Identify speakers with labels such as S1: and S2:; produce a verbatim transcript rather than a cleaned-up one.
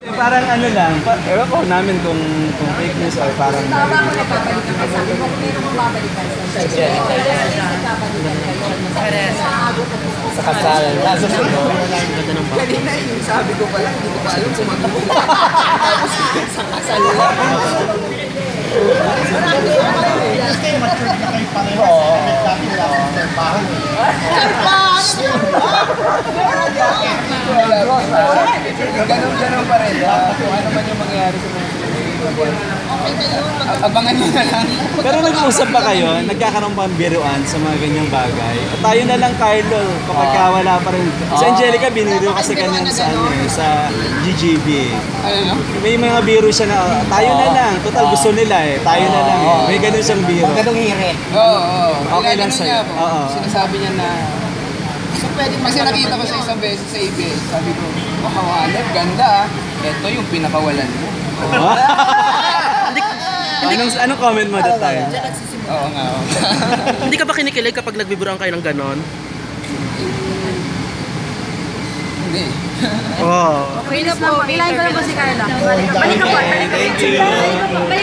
S1: Parang ano lang, pa, ewan ko namin kung, kung fake news or parang...
S2: Tama ko nagbabalikan ka sa akin. Kung meron mong babalikan sa akin. Nagbabalikan kayo.
S1: Sa kasalan.
S2: Kanina yung sabi ko pala, hindi ko pa alam kung mag-uwi. Tapos sa kasal lang.
S3: Kasi matured na kayo pareho. Oo. Dati wala akong terpahan eh.
S4: Ganun-ganun pa rin. Kung ano man yung mangyayari sa mga abangan nyo na lang.
S1: Pero nag-uusap pa kayo, nagkakaroon pa ang biruan sa mga ganyang bagay. At tayo na lang, Carlo, kapag ka wala pa rin. Si Angelica, biniro kasi kanyan sa, ano, eh, sa G G B.
S4: Ano no?
S1: May mga biro siya na, tayo na lang, total gusto nila eh, tayo na lang eh. May ganun siyang biro.
S3: Ganong hirit.
S4: Oo, oo.
S1: Okay lang
S4: Ganun
S1: sa'yo.
S4: niya po.
S1: Oo.
S4: Sinasabi niya na... So, pwede, kasi nakita ko siya isang beses sa A B S. Sabi ko, makawalat, ganda ah. Ito yung pinakawalan mo.
S1: Anong, anong comment mo that time?
S4: Oo nga, oo.
S5: Hindi ka ba kinikilig kapag nagbiburuan kayo ng ganon?
S4: Hindi.
S1: Oh.
S2: Okay na po. Ilahin ko lang po si Carla. Balik ka po. Balik ka po.